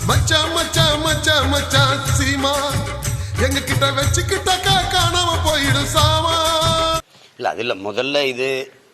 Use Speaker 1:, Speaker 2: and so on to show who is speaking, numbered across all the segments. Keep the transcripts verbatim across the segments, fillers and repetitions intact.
Speaker 1: மச்சான் மச்சான் மச்சான் மச்சான் சீமா எங்க கிட்ட வச்சுக்கிட்டாக்கா காணாம போயிடும் சாமா.
Speaker 2: இல்ல அது இல்ல, முதல்ல இது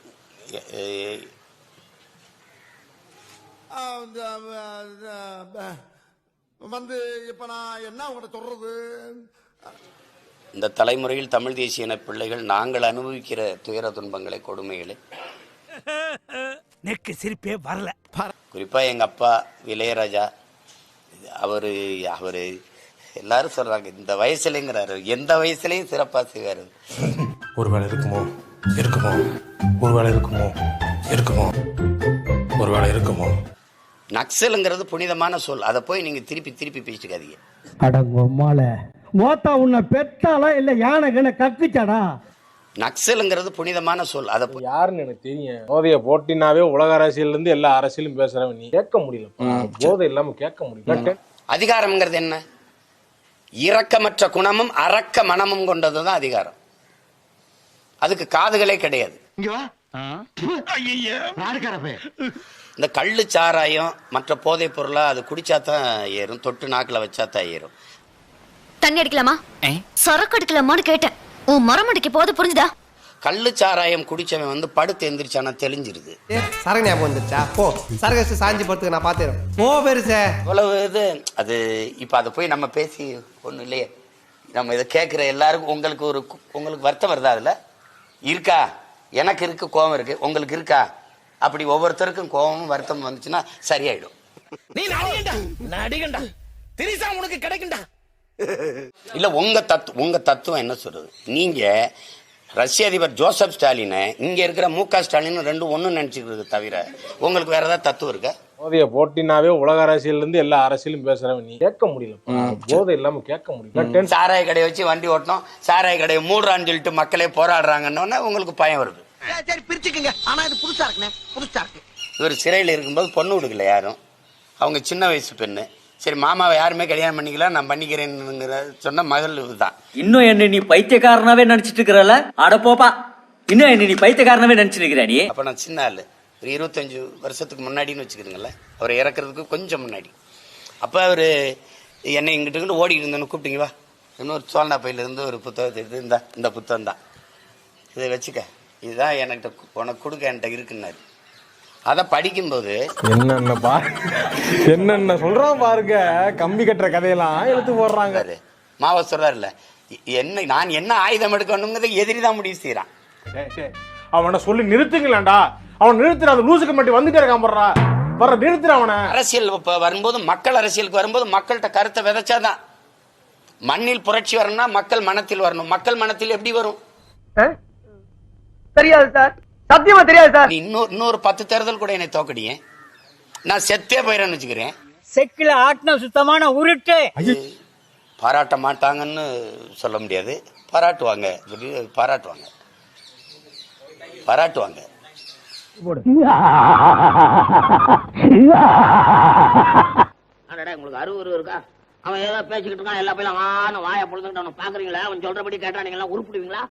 Speaker 1: வந்து இப்ப நான் என்ன உங்கள்கிட்ட சொல்றது,
Speaker 2: இந்த தலைமுறையில் தமிழ் தேசிய இன பிள்ளைகள் நாங்கள் அனுபவிக்கிற துயர துன்பங்களை, கொடுமைகளை
Speaker 3: நெக்கு சிரிப்பே வரல.
Speaker 2: குறிப்பா எங்க அப்பா இளையராஜா அவரு அவரு எல்லாரும் சொல்றாங்க இந்த வயசுலங்கிறாரு, எந்த வயசுலயும் சிறப்பா செய்வாரு.
Speaker 4: ஒருவேளை இருக்குமோ இருக்குமோ ஒருவேளை இருக்குமோ இருக்குமோ ஒருவேளை இருக்குமோ.
Speaker 2: நக்சலுங்கிறது புனிதமான சொல், அதை போய் நீங்க திருப்பி திருப்பி பேசிக்காதீங்க.
Speaker 5: அடங்கம்மால மோத்தா உன்னை பெத்தாளா இல்ல யானை கண்ண கக்குச்சாடா.
Speaker 2: நக்சலுங்கிறது புனிதமான சொல், அதை
Speaker 4: யாருன்னு எனக்கு தெரியும். போதைய போட்டினாவே உலக அரசியல் இருந்து எல்லா அரசியலும் பேசுறவன் நீ கேட்க முடியல, போதை இல்லாம கேட்க முடியல.
Speaker 2: அதிகாரம்ங்கிறது என்ன? இரக்கமற்ற குணமும் அரக்க மனமும் கொண்டதுதான் அதிகாரம். அதுக்கு காதுகளே கிடையாது. இந்த கள்ளு சாராயம் மற்ற போதை பொருளா அது குடிச்சாதான் ஏறும், தொட்டு நாக்குல வச்சாதான் ஏறும்.
Speaker 6: தண்ணி அடிக்கலாமா சரக்கு அடிக்கலாமான்னு கேட்டேன். உன் மரமடிக்க போது புரிஞ்சுதா?
Speaker 2: கள்ளு சாராயம் குடிச்சவன் வந்து படுத்து எந்திரிச்சானா தெளிஞ்சிருது.
Speaker 7: சரக்கு ஞாபகம் வந்துருச்சா? போ சரக்கு சாஞ்சி படுத்துக்க, நான் பாத்துறேன். போ பெருசே
Speaker 2: இவ்வளவு இது அது. இப்ப அதை போய் நம்ம பேசி ஒண்ணு இல்லையே, நம்ம இதை கேட்கிற எல்லாருக்கும் உங்களுக்கு ஒரு உங்களுக்கு வருத்தம் வருதா? அதுல இருக்கா? எனக்கு இருக்கு, கோபம் இருக்கு, உங்களுக்கு இருக்கா? அப்படி ஒவ்வொருத்தருக்கும் கோபமும் வருத்தம் வந்துச்சுன்னா சரியாயிடும்.
Speaker 3: நீ நடிகண்டா நடிகண்டா திரிசா உனக்கு கிடைக்கும்டா.
Speaker 2: இல்ல உங்க தத்து உங்க தத்துவம் என்ன சொல்றது? நீங்க ரஷ்ய அதிபர் ஜோசப் ஸ்டாலினை இங்க இருக்கிற மு க ஸ்டாலின் ரெண்டும் ஒண்ணு நினைச்சுக்கிறது தவிர உங்களுக்கு வேற ஏதாவது தத்துவம் இருக்கா?
Speaker 4: போதைய போட்டினாவே உலக அரசியல் இருந்து எல்லா அரசியலும் பேசுறவன் நீ கேட்க முடியல, போதை இல்லாம கேட்க முடியல.
Speaker 2: சாராய கடையை வச்சு வண்டி ஓட்டணும், சாராய கடையை மூடுறான்னு சொல்லிட்டு மக்களே போராடுறாங்கன்னு உங்களுக்கு பயம் வருது.
Speaker 7: சரி பிரிச்சுக்குங்க, ஆனா இது புதுசா இருக்குண்ணே, புதுசா இருக்கு.
Speaker 2: இவர் சிறையில் இருக்கும்போது பொண்ணு விடுக்கல யாரும், அவங்க சின்ன வயசு பெண்ணு. சரி மாமாவை யாருமே கல்யாணம் பண்ணிக்கலாம், நான் பண்ணிக்கிறேன்னு சொன்ன மகள் இதுதான்.
Speaker 8: இன்னும் என்ன நீ பைத்தியக்காரனாவே நினைச்சிட்டு இருக்கிறல? அட போப்பா, இன்னும் என்ன நீ பைத்தியக்காரனாவே நினைச்சிட்டு இருக்கிற நீ?
Speaker 2: அப்ப நான் சின்ன ஆளு, ஒரு இருபத்தஞ்சு வருஷத்துக்கு முன்னாடின்னு வச்சுக்கிறீங்களேன், அவர் இறக்குறதுக்கு கொஞ்சம் முன்னாடி. அப்ப அவரு என்னை இங்கிட்டு ஓடிக்கிட்டு இருந்தேன்னு கூப்பிட்டீங்க, வா இன்னொரு சோழனா பையில இருந்து ஒரு புத்தகத்தை எடுத்து இந்த இந்த புத்தகம் தான் இதை வச்சுக்க, இதுதான் என்கிட்ட உனக்கு கொடுக்க என்கிட்ட இருக்குன்னாரு. அதை படிக்கும்போது
Speaker 4: என்னென்ன பா என்னென்ன சொல்றான் பாருங்க, கம்பி கட்டுற கதையெல்லாம் எடுத்து போடுறாங்க.
Speaker 2: மாவ சொல்றாருல்ல, என்ன நான் என்ன ஆயுதம் எடுக்கணுங்கிறத எதிரிதான் முடிவு செய்யறான்.
Speaker 4: அவனை சொல்லி நிறுத்துங்களேன்டா, அவன் நிறுத்துற அந்த லூசுக்கு மட்டும் வந்துட்டே இருக்கான் போடுறா, வர நிறுத்துற அவனை. அரசியல்
Speaker 2: வரும்போது, மக்கள் அரசியலுக்கு வரும்போது மக்கள்கிட்ட கருத்தை விதைச்சாதான். மண்ணில் புரட்சி வரணும்னா மக்கள் மனத்தில் வரணும். மக்கள் மனத்தில் எப்படி வரும்
Speaker 7: தெரியாது சார், சத்தியமா தெரியாது சார்.
Speaker 2: இன்னொரு இன்னொரு பத்து தேர்தல் கூட என்னை தோக்கடியே, நான் செத்தே போயிறேன்னு வச்சுக்கிறேன்.
Speaker 8: செக்கில ஆட்டின சுத்தமான உருட்டு.
Speaker 2: பாராட்ட மாட்டாங்கன்னு சொல்ல முடியாது, பாராட்டுவாங்க, பாராட்டுவாங்க பாராட்டுவாங்க.
Speaker 9: உங்களுக்கு அறுவரு இருக்கா? அவன் ஏதோ பேசிக்கிட்டு இருக்கான், எல்லா பையன் வாய பொழுதுகிட்டு அவனை பாக்குறீங்களா? அவன் சொல்றபடி கேட்டா நீங்க எல்லாம் உருப்பிடுவீங்களா?